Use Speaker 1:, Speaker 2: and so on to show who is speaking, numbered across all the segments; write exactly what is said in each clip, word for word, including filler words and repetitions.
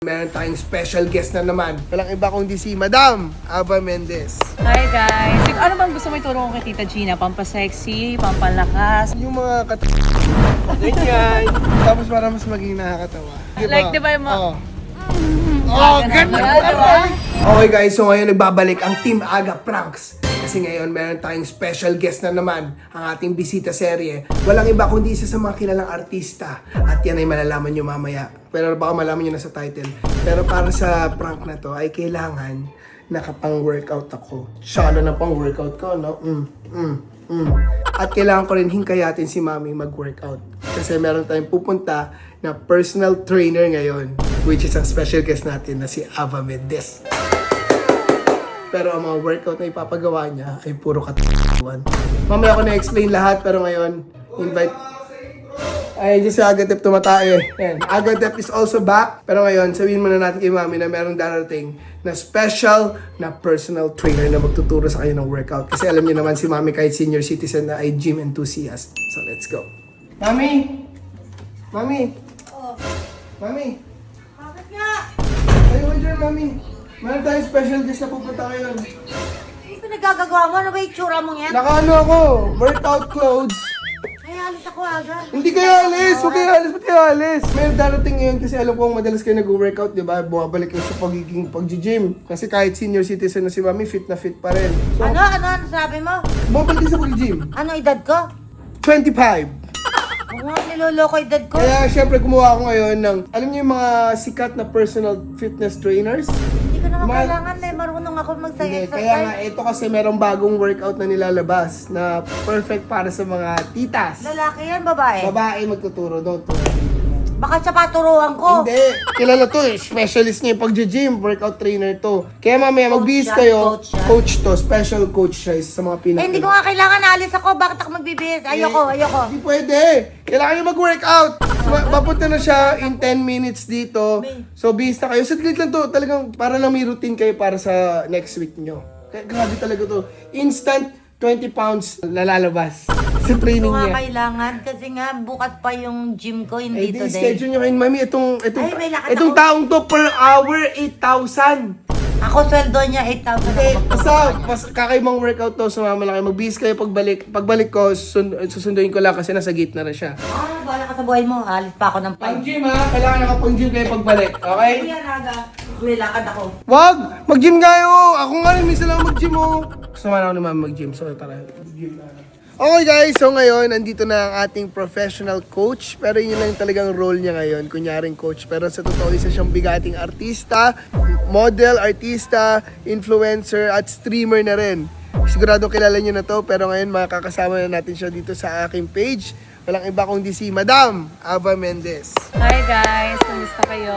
Speaker 1: Meron tayong special guest na naman. Walang iba kundi si Madam Ava Mendez.
Speaker 2: Hi guys! Ano bang gusto mo ituro ko kay Tita Gina? Pampasexy, pampalakas?
Speaker 1: Yung mga kat... Ganyan. Tapos para mas maging nakakatawa. Diba?
Speaker 2: Like, di ba yung mga...
Speaker 1: Oh, oh ganun.
Speaker 2: Diba?
Speaker 1: Okay guys, so ngayon nagbabalik ang Team Aga Pranks. Kasi ngayon meron tayong special guest na naman ang ating bisita serye. Walang iba kundi isa sa mga kilalang artista. At yan ay malalaman nyo mamaya. Pero baka malaman nyo na sa title. Pero para sa prank na to ay kailangan nakapang-workout ako. Shala na pang-workout ko, no? Mm, mm, mm. At kailangan ko rin hingkayatin si Mami mag-workout. Kasi meron tayong pupunta na personal trainer ngayon. Which is ang special guest natin na si Ava Mendez. Pero ang mga workout na ipapagawa niya ay puro katakuan. Mamaya ko na-explain lahat, pero ngayon, invite... Ay, dyan si Agatep tumatae. Yan. Agatep is also back. Pero ngayon, sabihin muna natin kay Mami na merong darating na special na personal trainer na magtuturo sa kayo ng workout. Kasi alam niyo naman si Mami kahit senior citizen na ay gym enthusiast. So, let's go. Mami! Mami!
Speaker 3: Oh,
Speaker 1: Mami!
Speaker 3: bakit nga?
Speaker 1: Ayaw mo dyan, Mami. Meron tayong special guest na pupunta ngayon.
Speaker 3: Ano pa nagagagawa mo? Ano ba yung tsura mong yan?
Speaker 1: Nakaano ako, workout clothes.
Speaker 3: Ay, alis ako agad.
Speaker 1: Hindi kayo alis! Huwag kayo alis! Ba't kayo alis? May darating ngayon kasi alam ko madalas kayo nag-workout, di ba? Bumabalik kayo sa pagiging pag-gym. Kasi kahit senior citizen na si Mami, fit na fit pa rin. So,
Speaker 3: Ano? Ano? Ano sabi mo?
Speaker 1: bumabalik kayo sa pag-gym.
Speaker 3: Ano edad ko?
Speaker 1: twenty-five.
Speaker 3: Huwag mo niloloko edad ko.
Speaker 1: Kaya syempre gumawa ako ngayon ng, alam niyo yung mga sikat na personal fitness trainers?
Speaker 3: Hindi ko naman
Speaker 1: Ma-
Speaker 3: kailangan eh. Marunong ako
Speaker 1: Hindi,
Speaker 3: mag-exercise.
Speaker 1: kaya nga ito kasi merong bagong workout na nilalabas na perfect para sa mga titas.
Speaker 3: Lalaki yan, babae?
Speaker 1: Babae magtuturo daw to.
Speaker 3: Baka sa paturuan ko.
Speaker 1: Hindi. Kilala to eh. Specialist niya yung pag-gym. Workout trainer to. Kaya mamaya magbihis
Speaker 3: yan,
Speaker 1: kayo.
Speaker 3: coach yan.
Speaker 1: Coach to. Special coach siya. Isa sa mga pinaka...
Speaker 3: Eh, hindi ko nga kailangan. Alis ako. Bakit ako magbibihis? Ayoko, ayoko.
Speaker 1: Hindi pwede. Kailangan nyo mag-workout. Ma- Papunta na siya in ten minutes dito. So, bihis na kayo. Saglit lang to. Talagang para lang may routine kayo para sa next week nyo. Kaya grabe talaga to. Instant twenty pounds nalalabas sa training
Speaker 3: Hindi ko nga
Speaker 1: niya.
Speaker 3: kailangan. Kasi nga, bukas pa yung gym ko.
Speaker 1: Eh,
Speaker 3: Hindi
Speaker 1: di,
Speaker 3: today.
Speaker 1: schedule nyo kayo, Mami. Itong, itong,
Speaker 3: Ay, may lakad
Speaker 1: itong
Speaker 3: ako.
Speaker 1: taong to per hour, eight thousand.
Speaker 3: Ako sweldo niya eight thousand.
Speaker 1: Okay, basta, basta kakaibang workout to, sumama lang kayo. Magbihis kayo pagbalik. Pagbalik ko, sun, susunduin ko lang kasi nasa gate na rin siya.
Speaker 3: Ah, bahala ka sa buhay mo. Alis pa ako ng
Speaker 1: Pang
Speaker 3: five.
Speaker 1: gym ha, kailangan nakapang gym kayo pagbalik, okay?
Speaker 3: Yan, aga. May lakad ako.
Speaker 1: Wag! Mag-gym kayo! Ako nga rin, minsan lang mag-gym oh. Sumama ako naman mag-gym, so tara, mag-gym na. Okay guys, so ngayon, nandito na ang ating professional coach. Pero yun lang talagang role niya ngayon, kunyaring coach. Pero sa totoo, isa siyang bigating artista, model, artista, influencer, at streamer na rin. Sigurado kilala niyo na to, pero ngayon makakasama na natin siya dito sa aking page. Walang iba kundi si Madam Ava Mendez.
Speaker 2: Hi guys! Kamusta kayo?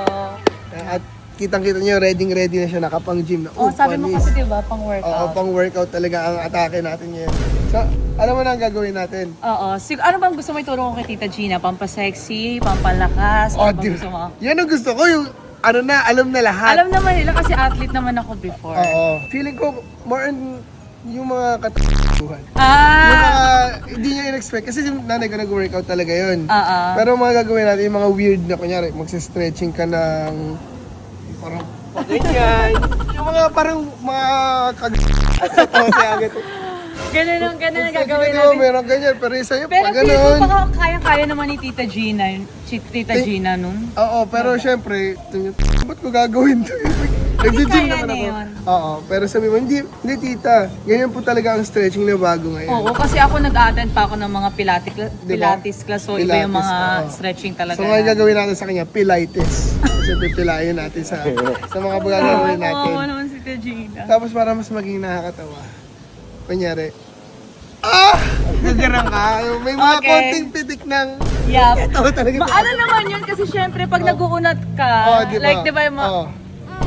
Speaker 1: At kitang-kita niyo, ready-ready na siya, nakapang-gym na.
Speaker 2: Oh, sabi mo
Speaker 1: panis.
Speaker 2: kasi diba, pang workout.
Speaker 1: Oo, pang-workout talaga ang atake natin ngayon. So, alam mo na ang gagawin natin.
Speaker 2: Oo. Sig- ano bang gusto mo ituro ko kay Tita Gina? Pampasexy, pampalakas?
Speaker 1: Oh,
Speaker 2: Ano bang
Speaker 1: di-
Speaker 2: gusto mo?
Speaker 1: Yan ang gusto ko, yung ano na, alam na lahat.
Speaker 2: Alam naman nila kasi athlete naman ako before.
Speaker 1: Oo. Feeling ko, more on yung mga katakuhan. Yung
Speaker 2: Ah!
Speaker 1: mga, hindi niya in-expect. Kasi yung nanay ko nag-workout talaga yun.
Speaker 2: Oo.
Speaker 1: Pero mga gagawin natin, yung mga weird na, kunyari, magsa-stretching ka ng, parang, ganyan. Yung mga parang, mga kag... Oo, siya agad.
Speaker 2: Ganun ang ganun ang gagawin
Speaker 1: Ginagawa,
Speaker 2: natin.
Speaker 1: meron ganyan, pero isa yung
Speaker 2: Pero
Speaker 1: pag
Speaker 2: feel ko
Speaker 1: ganun.
Speaker 2: baka kaya-kaya naman ni Tita Gina, si Tita
Speaker 1: Eh,
Speaker 2: Gina nun.
Speaker 1: Oo, pero syempre, tingin, ba't ko gagawin to? Nag-gym
Speaker 2: kaya
Speaker 1: naman
Speaker 2: na
Speaker 1: ako.
Speaker 2: yun.
Speaker 1: Oo, pero sabi mo, hindi, hindi tita, ganyan po talaga ang stretching na bago ngayon.
Speaker 2: Oo, kasi ako nag-attend pa ako ng mga pilates,
Speaker 1: Diba?
Speaker 2: pilates class, so iba yung
Speaker 1: Pilates,
Speaker 2: mga
Speaker 1: oo.
Speaker 2: stretching talaga.
Speaker 1: So ngayon gagawin natin sa kanya, Pilates. Kasi pipilayin natin sa sa mga gagawin natin.
Speaker 2: Oo, naman si Tita Gina.
Speaker 1: Tapos para mas maging nakakatawa, kunyari, ah! Gagarang ka. May mga
Speaker 2: Okay.
Speaker 1: konting pitik ng...
Speaker 2: Yup.
Speaker 1: Tawa talaga.
Speaker 2: Ma- ano naman yun kasi syempre pag nag-uunat ka,
Speaker 1: Oh, di ba?
Speaker 2: like di ba yung mga,
Speaker 1: Oh,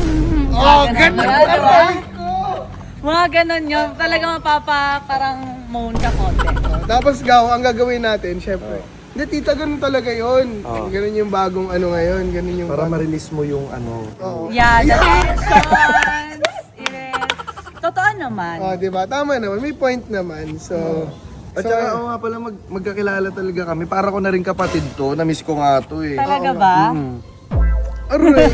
Speaker 1: oh ganun.
Speaker 2: Diba?
Speaker 1: Ang sabi ko.
Speaker 2: mga ganun yun, talaga mapapa parang moan ka konti.
Speaker 1: Oh, tapos gaw, ang gagawin natin, syempre. Hindi, tita, ganun talaga yun.
Speaker 4: Oh.
Speaker 1: Ganun yung bagong ano ngayon. Ganun yung
Speaker 4: Para
Speaker 1: bagong...
Speaker 4: ma-release mo yung ano.
Speaker 1: Oo.
Speaker 2: Yeah, the tensions, it is, totoo naman.
Speaker 1: Oh, di ba? Tama naman. May point naman. So,
Speaker 4: At
Speaker 1: so,
Speaker 4: saka, oo nga pala, mag, magkakilala talaga kami. Para ko na rin kapatid to. Na-miss ko nga to eh.
Speaker 2: Talaga ba?
Speaker 4: Mm.
Speaker 1: Aray!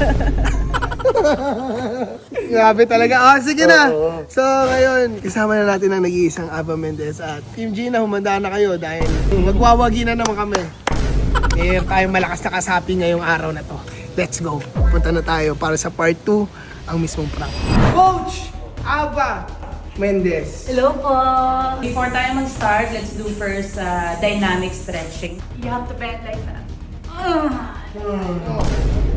Speaker 1: Grabe talaga. Ah, sige na. So, ngayon, kasama na natin ang nag-iisang Ava Mendez at Team Gina, humanda na kayo dahil magwawagi na naman kami. Mayroon tayong malakas na kasapi ngayong araw na to. Let's go. Punta na tayo para sa part two, ang mismong prank. Coach Ava Mendez.
Speaker 2: Hello po! Before tayo mag-start, let's do first uh, dynamic stretching. You have to bend like that.